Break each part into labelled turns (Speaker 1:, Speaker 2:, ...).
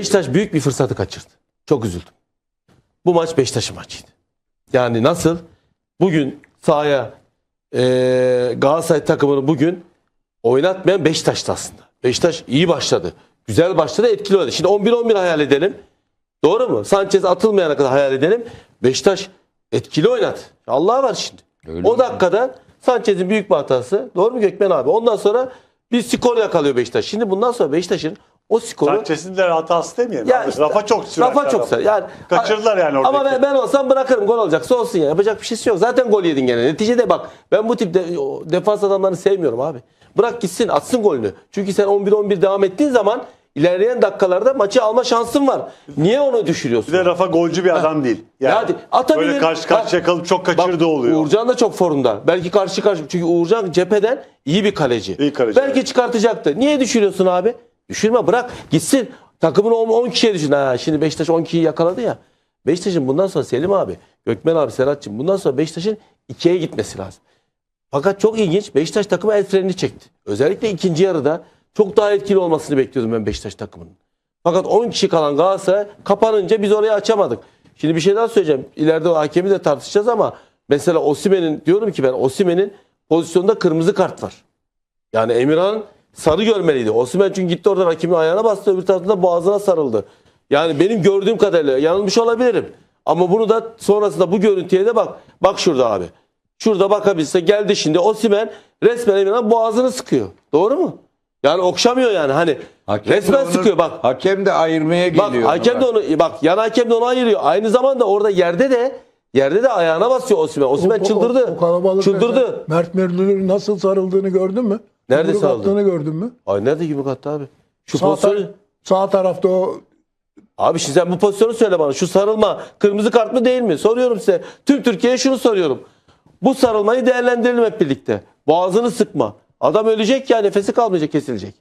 Speaker 1: Beşiktaş büyük bir fırsatı kaçırdı. Çok üzüldüm. Bu maç Beşiktaş'ın maçıydı. Yani nasıl? Bugün sahaya Galatasaray takımını bugün oynatmayan Beşiktaş'tı aslında. Beşiktaş iyi başladı. Güzel başladı, etkili oynadı. Şimdi 11-11 hayal edelim. Doğru mu? Sanchez atılmayana kadar hayal edelim. Beşiktaş etkili oynadı. Allah var şimdi.
Speaker 2: Öyle
Speaker 1: o dakikada Sanchez'in büyük bir hatası. Doğru mu Gökmen abi? Ondan sonra bir skor yakalıyor Beşiktaş. Şimdi bundan sonra Beşiktaş'ın o skoru...
Speaker 3: Sanchez'in de hatası demeyelim.
Speaker 1: Ya işte,
Speaker 3: Rafa çok sürer.
Speaker 1: Rafa çok sürer. Yani,
Speaker 3: kaçırdılar yani oradaki.
Speaker 1: ama ben olsam bırakırım. Gol olacaksa olsun ya. Yapacak bir şeysi yok. Zaten gol yedin gene. Neticede bak ben bu tip defans adamlarını sevmiyorum abi. Bırak gitsin atsın golünü. Çünkü sen 11-11 devam ettiğin zaman ilerleyen dakikalarda maçı alma şansın var. Niye onu düşürüyorsun?
Speaker 3: Bir de Rafa golcü bir adam değil. Yani
Speaker 1: hadi, atabilir.
Speaker 3: böyle karşı karşıya kalıp çok kaçırdığı oluyor.
Speaker 1: Uğurcan da çok formda. Belki karşı. Çünkü Uğurcan cepheden iyi bir kaleci.
Speaker 3: İyi kaleci.
Speaker 1: Belki çıkartacaktı. Niye düşürüyorsun abi? Düşürme, bırak gitsin. Takımını 10 kişiye düşün. Şimdi Beşiktaş 10 kişiyi yakaladı ya. Beşiktaş'ın bundan sonra Selim abi, Gökmen abi, Serhat'cığım bundan sonra Beşiktaş'ın 2'ye gitmesi lazım. Fakat çok ilginç. Beşiktaş takımı el frenini çekti. Özellikle ikinci yarıda çok daha etkili olmasını bekliyordum ben Beşiktaş takımının. Fakat 10 kişi kalan Galatasaray kapanınca biz orayı açamadık. Şimdi bir şey daha söyleyeceğim. İleride o hakemi de tartışacağız ama mesela Osimhen'in, diyorum ki ben Osimhen'in pozisyonda kırmızı kart var. Yani Emirhan sarı görmeliydi. Osimhen çünkü gitti oradan hakemin ayağına bastı, öbür tarafında boğazına sarıldı. Yani benim gördüğüm kadarıyla yanılmış olabilirim. Ama bunu da sonrasında bu görüntüye de bak. Bak şurada abi. Şurada bakabilse geldi şimdi Osimhen resmen Emirhan boğazını sıkıyor. Doğru mu? Yani okşamıyor yani hani
Speaker 2: Hakem
Speaker 1: resmen
Speaker 2: onu,
Speaker 1: sıkıyor bak.
Speaker 2: Hakem de ayırmaya geliyor.
Speaker 1: Bak hakem de onu bak yan hakem de onu ayırıyor. Aynı zamanda orada yerde de ayağına basıyor Osimhen. Osimhen çıldırdı.
Speaker 4: O kalabalık
Speaker 1: çıldırdı.
Speaker 4: Mert Müldür'ün nasıl sarıldığını gördün mü?
Speaker 1: Nerede
Speaker 4: Yumruk
Speaker 1: sarıldı?
Speaker 4: attığını gördün mü?
Speaker 1: Ay nerede yumruk attı abi? Şu
Speaker 4: Sağ,
Speaker 1: pozisyonu...
Speaker 4: sağ tarafta o
Speaker 1: Abi şimdi sen bu pozisyonu söyle bana. Şu sarılma kırmızı kart mı değil mi? Soruyorum size. Tüm Türkiye'ye şunu soruyorum. Bu sarılmayı değerlendirelim hep birlikte. Boğazını sıkma. Adam ölecek ya, nefesi kalmayacak, kesilecek.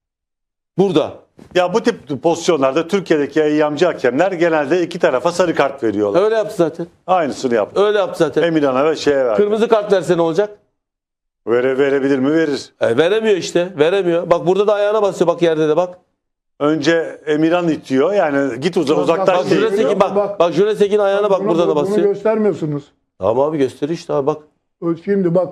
Speaker 1: Burada.
Speaker 3: Ya bu tip pozisyonlarda Türkiye'deki eyyamcı hakemler genelde iki tarafa sarı kart veriyorlar.
Speaker 1: Öyle yaptı zaten.
Speaker 3: Aynısını yaptı.
Speaker 1: Öyle yaptı zaten.
Speaker 3: Emirhan'a ve şeye verdi.
Speaker 1: Kırmızı kart verse ne olacak?
Speaker 3: Verebilir mi? Verir.
Speaker 1: Veremiyor işte. Veremiyor. Bak burada da ayağına basıyor. Bak yerde de bak.
Speaker 3: Önce Emirhan itiyor. Yani git uzaktan
Speaker 1: Bak Juresek'in bak Juresek'in ayağına bak, burada da
Speaker 4: Bunu
Speaker 1: basıyor.
Speaker 4: göstermiyorsunuz.
Speaker 1: Tamam abi gösteriyor işte abi bak.
Speaker 4: Şimdi bak.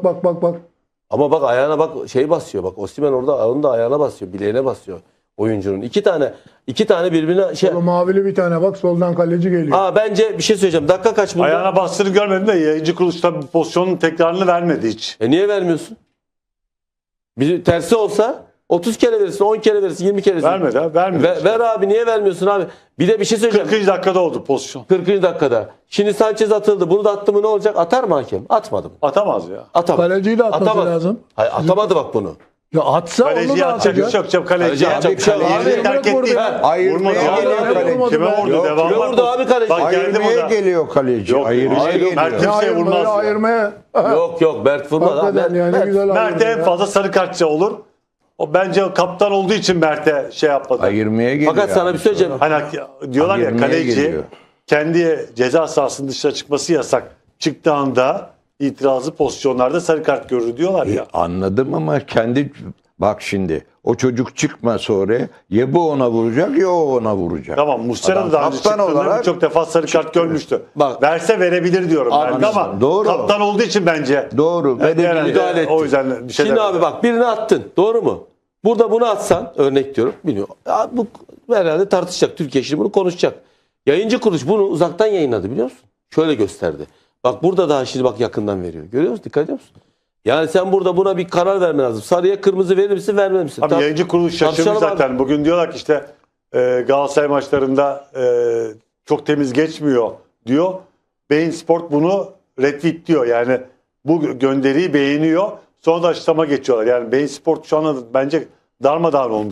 Speaker 1: Ama bak ayağına bak şey basıyor. Bak Osimhen orada onun da ayağına basıyor. Bileğine basıyor oyuncunun. İki tane birbirine şey.
Speaker 4: O mavili bir tane bak, soldan kaleci geliyor.
Speaker 1: Bence bir şey söyleyeceğim. Dakika kaç burada?
Speaker 3: ayağına bastığını görmedim de yayıncı kuruluşta bu pozisyonun tekrarını vermedi hiç.
Speaker 1: Niye vermiyorsun? Bir tersi olsa 30 kere verirsin, 10 kere verirsin, 20 kere verirsin.
Speaker 3: Vermedi ha, vermedi.
Speaker 1: Ver abi, niye vermiyorsun abi? Bir de bir şey söyleyeceğim.
Speaker 3: 40. dakikada oldu pozisyon.
Speaker 1: 40. dakikada. Şimdi Sanchez atıldı. Bunu da attı mı ne olacak? Atar mı hakem? Atmadı mı?
Speaker 3: Atamaz ya.
Speaker 1: Atamadı.
Speaker 4: Kaleciyi de atması
Speaker 1: Atamadı.
Speaker 4: lazım.
Speaker 1: Hayır, atamadı bak bunu.
Speaker 4: Ya atsa onu
Speaker 3: Kaleciyi
Speaker 4: da
Speaker 3: atacak.
Speaker 4: atacak.
Speaker 3: Yok kaleci
Speaker 1: Kaleci
Speaker 3: atacak.
Speaker 1: bir şey yok.
Speaker 3: Kaleciyi
Speaker 4: Abi,
Speaker 3: terk
Speaker 4: bırak
Speaker 3: etti.
Speaker 4: orada.
Speaker 2: Ayırmaya
Speaker 3: Vurmadı.
Speaker 2: geliyor
Speaker 4: Abi,
Speaker 2: kaleci.
Speaker 4: vurmadı.
Speaker 3: Kime vurdu?
Speaker 2: Yok,
Speaker 3: Devam
Speaker 1: kime
Speaker 3: var.
Speaker 1: vurdu abi kaleci?
Speaker 3: Bak geldi
Speaker 2: Ayırmaya
Speaker 3: burada.
Speaker 2: geliyor kaleci.
Speaker 3: Yok,
Speaker 2: Ayırmaya
Speaker 3: hayır,
Speaker 2: geliyor.
Speaker 3: Mert kimseye vurmaz ya.
Speaker 4: Ayırmaya.
Speaker 1: Yok Mert vurmadı.
Speaker 4: Hakikaten yani
Speaker 1: Mert.
Speaker 4: güzel
Speaker 3: Mert'e en
Speaker 4: ayırdı ya.
Speaker 3: fazla sarı kartça olur. O bence kaptan olduğu için Mert'e şey yapmadı.
Speaker 2: Ayırmaya geliyor.
Speaker 1: Fakat sana bir şey söyleyeceğim.
Speaker 3: Hani diyorlar ya
Speaker 2: Ayırmaya
Speaker 3: kaleci
Speaker 2: geliyor.
Speaker 3: kendi ceza sahasının dışına çıkması yasak. Çıktığı anda itirazlı pozisyonlarda sarı kart görür diyorlar ya.
Speaker 2: Anladım ama bak şimdi o çocuk çıkma sonra ya bu ona vuracak ya o ona vuracak.
Speaker 3: Tamam, Muslera da daha önce
Speaker 2: kaptan
Speaker 3: çıktığında
Speaker 2: olarak
Speaker 3: birçok defa sarı kart görmüştü.
Speaker 1: Bak.
Speaker 3: Verse verebilir diyorum
Speaker 1: Abi,
Speaker 3: belki ama
Speaker 2: doğru.
Speaker 3: kaptan olduğu için bence
Speaker 2: Doğru.
Speaker 3: herhalde
Speaker 1: müdahale etti.
Speaker 3: o yüzden bir şey
Speaker 1: Şimdi
Speaker 3: demedim.
Speaker 1: abi bak birini attın. Doğru mu? Burada bunu atsan örnek diyorum. Bilmiyorum. Bu herhalde tartışacak. Türkiye şimdi bunu konuşacak. Yayıncı kuruluş bunu uzaktan yayınladı biliyor musun? Şöyle gösterdi. Bak burada daha şimdi bak yakından veriyor. Görüyor musun? Dikkat ediyor musun? Yani sen burada buna bir karar vermen lazım. Sarıya kırmızı verir misin, vermez misin?
Speaker 3: Abi yayıncı kuruluş şaşırmış
Speaker 1: tartışalım
Speaker 3: zaten.
Speaker 1: abi.
Speaker 3: Bugün diyorlar ki işte Galatasaray maçlarında çok temiz geçmiyor diyor. Bein Sport bunu retweet diyor. Yani bu gönderiyi beğeniyor. Sonra da açıklama geçiyorlar. Yani Bein Sport şu anda bence darmadağın olmuş